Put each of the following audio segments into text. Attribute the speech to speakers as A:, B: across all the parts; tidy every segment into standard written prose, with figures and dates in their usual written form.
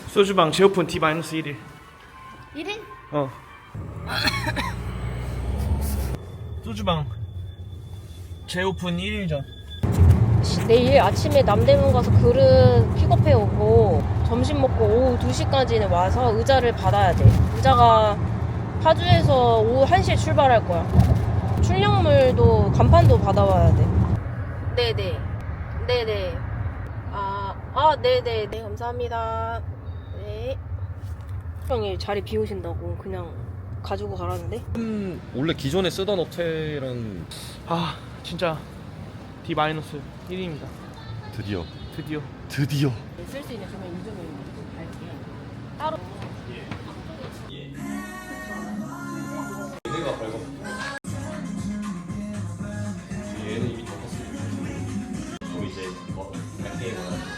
A: 소주방 재오픈 D-1일
B: 1일?
A: 어 소주방 재오픈 1일 전.
B: 내일 아침에 남대문 가서 그릇 픽업해 오고 점심 먹고 오후 2시까지는 와서 의자를 받아야 돼. 의자가 파주에서 오후 1시에 출발할 거야. 출력물도 간판도 받아와야 돼. 네네. 네네. 네네. 네, 감사합니다. 네. 형이 자리 비우신다고 그냥 가지고 가라는데?
C: 원래 기존에 쓰던 호텔은
A: 아 진짜 D-1입니다.
C: 드디어
B: 쓸 수 있는 조명 인증을 갈게. 따로.
C: 얘네가 밝아. 얘는 이미 덮었어요. 또 이제 갈게요.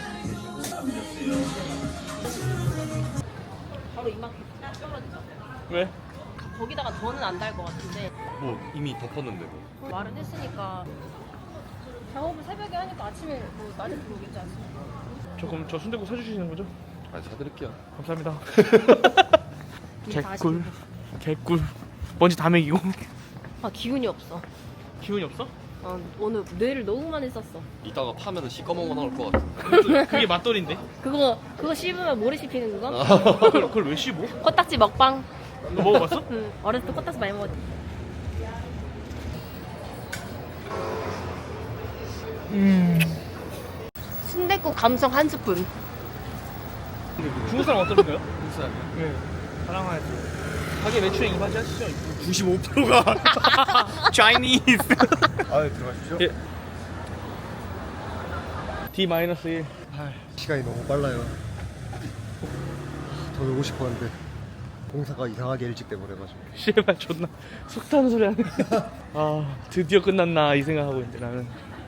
B: 바로 이만큼 딱 떨어지죠.
A: 왜?
B: 거기다가 더는 안 달 것 같은데
C: 뭐 이미 덮었는데 뭐.
B: 말은 했으니까 작업을 새벽에 하니까 아침에 뭐 낮에 들어오겠지 않습니까?
A: 조금 저 순댓국 사주시는 거죠?
C: 아 사드릴게요.
A: 감사합니다.
B: 이게 다
A: 개꿀
B: 아쉽네.
A: 개꿀 먼지 다 먹이고.
B: 아 기운이 없어.
A: 기운이 없어?
B: 오늘 뇌를 너무 많이 썼어.
C: 이따가 파면은 시꺼먼 거 나올 것 같아.
A: 그게 맛돌인데?
B: 그거 씹으면 모래 씹히는 그거?
A: 그걸 왜 씹어?
B: 코딱지 먹방.
A: 너 먹어봤어?
B: 응, 어렸을 때 코딱지 많이 먹었지. 순댓국 감성 한 스푼.
A: 중국 사람 어떤가요? 중국 사람이요? 네. 사랑하야지. 가게 매출에 이바지 하시죠?
D: 95%가
A: Chinese.
D: 아 들어가십시오.
A: 예. D-1.
D: 시간이 너무 빨라요. 더 놀고 싶었는데 공사가 이상하게 일찍 돼버려가지고.
A: 씨발 존나 속 타는 소리 하네. 아 드디어 끝났나 이 생각하고 있는데 나는.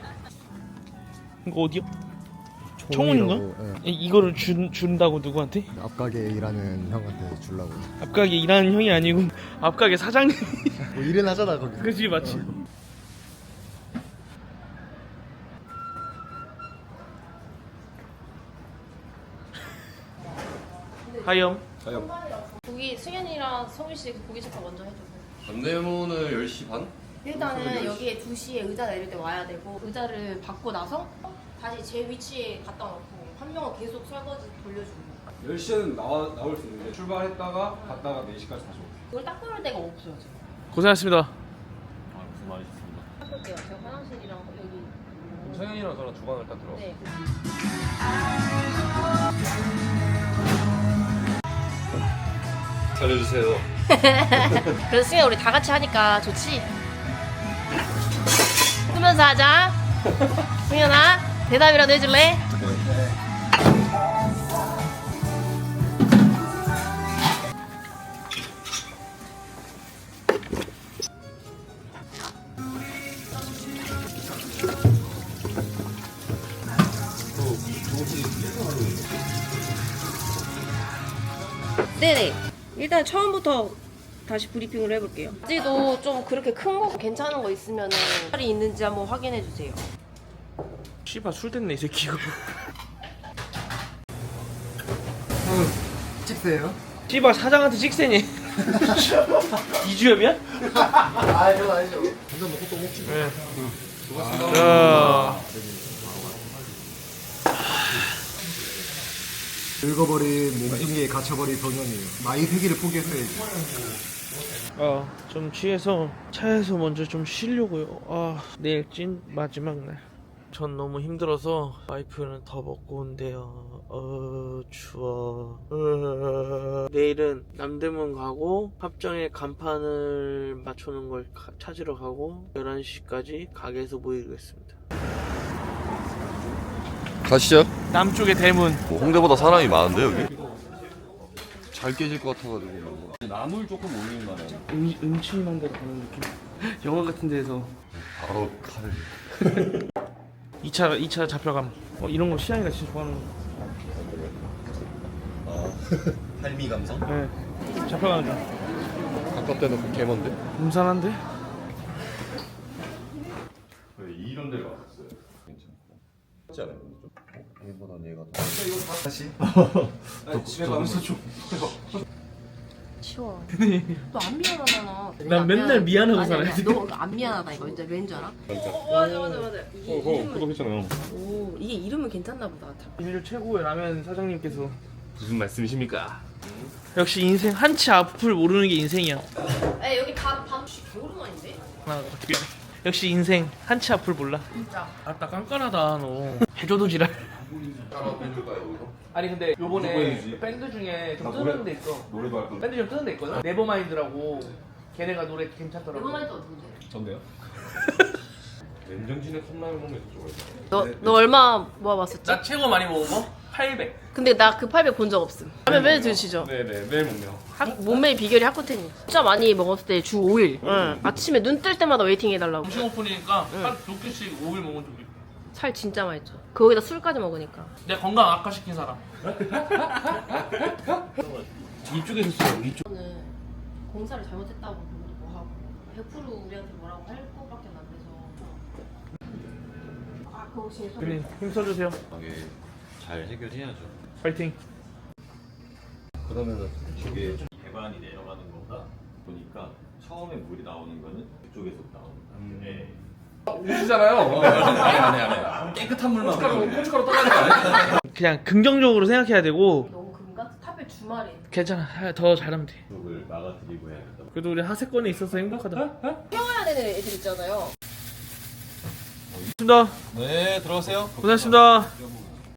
A: 이거 어디요? 청운인가?
D: 예.
A: 이거를 준다고 누구한테?
D: 앞가게 일하는 형한테 주려고.
A: 앞가게 일하는 형이 아니고 앞가게 사장님.
D: 뭐 일은 하잖아 거기.
A: 그지 맞지? 하염.
B: 고기 승현이랑 성윤 씨 고기 식사 먼저 해줘.
C: 반대문을 10시 반?
B: 일단은 여기에 2시에 의자 내릴 때 와야 되고 의자를 받고 나서 다시 제 위치에 갖다 놓고 한 명은 계속 설거지 돌려주고
E: 10시에는 나올 수 있는데 출발했다가 갔다가 4시까지 다시 오고.
B: 그걸 딱 끊을 데가 없어요 지금.
A: 고생하셨습니다.
C: 아 무슨 말이셨습니다.
B: 닦을게요. 제가 화장실이랑 여기
C: 성현이랑 저랑 주방을 딱 들어.
B: 네.
C: 살려주세요.
B: 그래서 승현 우리 다 같이 하니까 좋지? 쓰면서 하자. 승현아 대답이라도 해줄래? 네네. 일단 처음부터 다시 브리핑을 해볼게요. 바지도 좀 그렇게 큰 거 괜찮은 거 있으면 살이 있는지 한번 확인해 주세요.
A: 씨발 술 됐네 이 새끼 이거.
D: 찍세요?
A: 씨발 사장한테 찍세니. 이주엽이야?
D: 아 이건 아니죠. 한잔 먹고 또 먹지.
A: 네. 자.
D: 늙어버린 몸뚱이에 갇혀버린 소년이에요. 나이 세기를 포기했어야지.
A: 좀 취해서 차에서 먼저 좀 쉬려고요. 내일 찐 마지막 날. 전 너무 힘들어서 와이프는 더 먹고 온대요. 추워. 내일은 남대문 가고 합정에 간판을 맞춰놓은 걸 찾으러 가고 11시까지 가게에서 모이겠습니다.
C: 가시죠.
A: 남쪽의 대문.
C: 홍대보다 사람이 많은데 여기? 잘 깨질 것 같아가지고. 나물 조금 올리는 거네.
A: 음침한 데로 가는 느낌. 영화 같은 데에서
C: 바로 칼.
A: 2차 잡혀감. 이런 거 시안이가 진짜 좋아하는 거.
D: 할미 감성?
A: 네. 잡혀가는 중.
C: 아까 때는 그 개먼데?
A: 음산한데?
C: 이런 데를 왔었어요. 괜찮고. 쉽지 않아요.
D: 얘보다 얘가 더. 다시.
E: 집에 가면서 좀
B: 치워. 너 안 미안하잖아.
A: 난 맨날 미안하고 살아야 돼.
B: 너안 미안하다 이거 이제 왠줄 알아? 맞아. 이게
E: 구독했잖아요.
B: 오 이게 이름은 괜찮나 보다.
A: 인류 최고의 라면 사장님께서
E: 무슨 말씀이십니까?
A: 역시 인생 한치 앞을 모르는 게 인생이야.
B: 에 여기 밥 개오랜만인데?
A: 하나 어떻게 역시 인생 한치 앞을 몰라.
B: 진짜.
A: 아따 깐깐하다 너. 해줘도 지랄. 아니 근데
E: 누구
A: 요번에
E: 해주지?
A: 밴드 중에 좀
E: 나
A: 뜨는 데 있어.
E: 노래도 할 건데.
A: 밴드 좀 뜨는 데 있거든. 네버마인드라고 걔네가 노래 괜찮더라고.
B: 이번만이 또 어딘데?
E: 전데요? 맨정신에 컵라면 먹는 거 좋아해요.
B: 너 얼마 모아봤었지?
A: 나 최고 많이 먹은 거 800.
B: 근데 나 그 800 본 적 없음. 라면 매일 드시죠?
E: 네네 매일 먹네요.
B: 몸매의 비결이 하코텐이. 진짜 많이 먹었을 때 주 5일. 응. 아침에 눈 뜰 때마다 웨이팅 해달라고.
A: 음식 오픈이니까 한 2끼씩 5일 먹으면 좋겠다.
B: 살 진짜 많이 쪄. 거기다 술까지 먹으니까.
A: 내 건강 악화시킨 사람. 이쪽에서 써요. 이쪽.
B: 저는 공사를 잘못했다고 그것도 뭐 하고 100% 우리한테 뭐라고 할 것밖에 안 돼서. 아 그거 혹시
A: 그린 힘써주세요.
C: 잘 해결해야죠.
A: 파이팅.
C: 그러면은 이게 배관이 내려가는 거가 보니까 처음에 물이 나오는 거는 그쪽에서 나오는 거예요. 네.
E: 오시잖아요. 안 해. 깨끗한 물만. 고춧가루 떠나는 거 아니야?
A: 그냥 긍정적으로 생각해야 되고
B: 너무 금가? 탑에 주말에.
A: 괜찮아. 더 잘하면 돼.
C: 그쪽을 막아드리고 해야겠다.
A: 그래도 우리 하세권에 있어서 행복하다.
B: 태워야 되는 애들 있잖아요.
A: 고맙습니다.
C: 네, 들어가세요.
A: 고생하셨습니다.